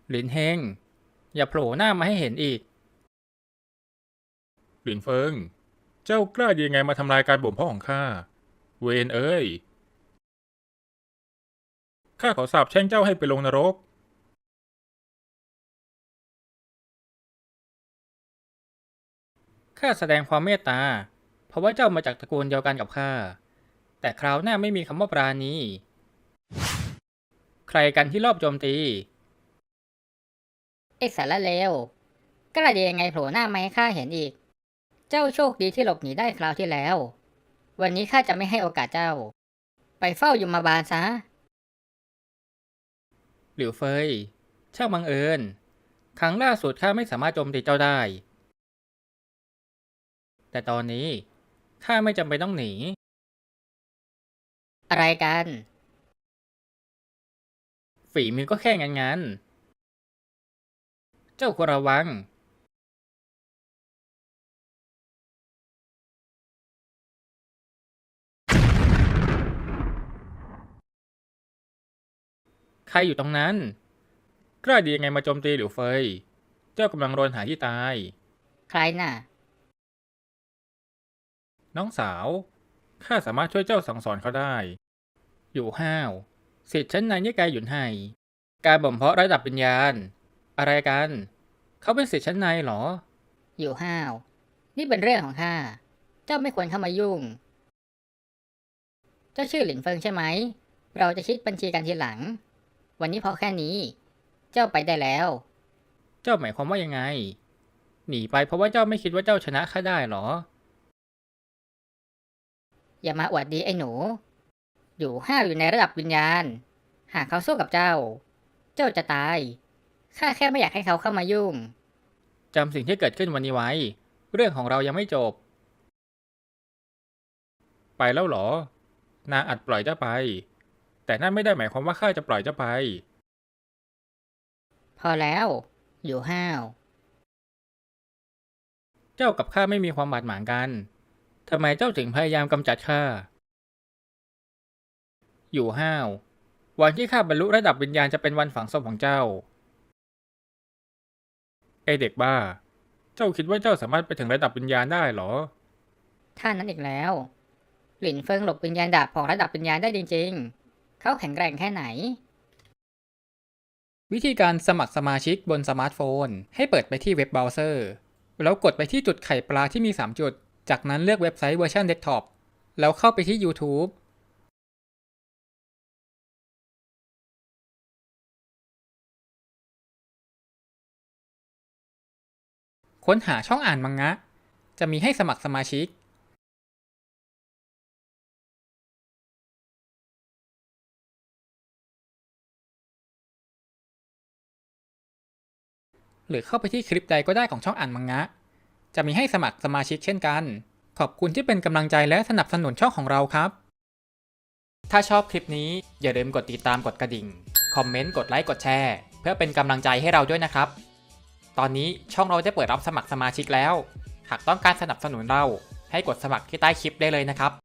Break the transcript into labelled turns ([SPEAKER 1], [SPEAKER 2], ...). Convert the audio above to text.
[SPEAKER 1] หลินเฮงอย่าโผล่หน้ามาให้เห็นอีก
[SPEAKER 2] หลินเฟิงเจ้ากล้าดียังไงมาทำลายการบ่มเพาะของข้าเวนเอ้ยข้าขอสาปแช่งเจ้าให้ไปลงนรก
[SPEAKER 1] ข้าแสดงความเมตตาเพราะว่าเจ้ามาจากตระกูลเดียวกันกับข้าแต่คราวหน้าไม่มีคำว่าปราณีใครกันที่รอบโจมตี
[SPEAKER 3] ไอ้สารเลวกล้าดียังไงโผล่หน้ามาให้ข้าเห็นอีกเจ้าโชคดีที่หลบหนีได้คราวที่แล้ววันนี้ข้าจะไม่ให้โอกาสเจ้าไปเฝ้ายมบาลซะ
[SPEAKER 1] หลิวเฟยช่างบังเอิญครั้งล่าสุดข้าไม่สามารถโจมตีเจ้าได้แต่ตอนนี้ข้าไม่จำเป็นต้องหนี
[SPEAKER 3] อะไรกัน
[SPEAKER 1] ฝีมือก็แค่งั้นเจ้าควรระวังใครอยู่ตรงนั้น
[SPEAKER 2] กล้าดียังไงมาโจมตีหลิวเฟยเจ้ากำลังรนหาที่ตาย
[SPEAKER 3] ใครน่ะ
[SPEAKER 2] น้องสาวข้าสามารถช่วยเจ้าสั่งสอนเขาได้
[SPEAKER 1] อยู่ห้าวสิทธิ์ชั้นในนิกายหยุนไห่การบ่มเพาะระดับวิญญาณอะไรกันเขาเป็นสิทธิ์ชั้นในเหรอ
[SPEAKER 3] อยู่ห้าวนี่เป็นเรื่องของข้าเจ้าไม่ควรเข้ามายุ่งเจ้าชื่อหลินเฟิงใช่ไหมเราจะคิดบัญชีกันทีหลังวันนี้พอแค่นี้เจ้าไปได้แล้ว
[SPEAKER 1] เจ้าหมายความว่ายังไงหนีไปเพราะว่าเจ้าไม่คิดว่าเจ้าชนะข้าได้เหรอ
[SPEAKER 3] อย่ามาอวดดีไอ้หนูอยู่ห้าวอยู่ในระดับวิญญาณหากเขาสู้กับเจ้าเจ้าจะตายข้าแค่ไม่อยากให้เขาเข้ามายุ่ง
[SPEAKER 1] จำสิ่งที่เกิดขึ้นวันนี้ไว้เรื่องของเรายังไม่จบ
[SPEAKER 2] ไปแล้วเหรอนางอาจปล่อยเจ้าไปแต่นั่นไม่ได้หมายความว่าข้าจะปล่อยเจ้าไป
[SPEAKER 3] พอแล้วอยู่ห้าว
[SPEAKER 1] เจ้ากับข้าไม่มีความบาดหมางกันทำไมเจ้าถึงพยายามกำจัดข้าอยู่ห้าววันที่ข้าบรรลุระดับวิญญาณจะเป็นวันฝังศพของเจ้า
[SPEAKER 2] ไอเด็กบ้าเจ้าคิดว่าเจ้าสามารถไปถึงระดับวิญญาณได้เหรอ
[SPEAKER 3] ท่านั้นอีกแล้วหลินเฟิงหลบวิญญาณดาบของระดับวิญญาณได้จริงๆเขาแข็งแกร่งแค่ไหน
[SPEAKER 1] วิธีการสมัครสมาชิกบนสมาร์ทโฟนให้เปิดไปที่เว็บเบราว์เซอร์แล้วกดไปที่จุดไข่ปลาที่มี3จุดจากนั้นเลือกเว็บไซต์เวอร์ชันเดสก์ท็อปแล้วเข้าไปที่ YouTube ค้นหาช่องอ่านมังงะจะมีให้สมัครสมาชิกหรือเข้าไปที่คลิปใดก็ได้ของช่องอ่านมังงะจะมีให้สมัครสมาชิกเช่นกันขอบคุณที่เป็นกำลังใจและสนับสนุนช่องของเราครับถ้าชอบคลิปนี้อย่าลืมกดติดตามกดกระดิ่งคอมเมนต์กดไลค์กดแชร์เพื่อเป็นกำลังใจให้เราด้วยนะครับตอนนี้ช่องเราได้เปิดรับสมัครสมาชิกแล้วหากต้องการสนับสนุนเราให้กดสมัครที่ใต้คลิปได้เลยนะครับ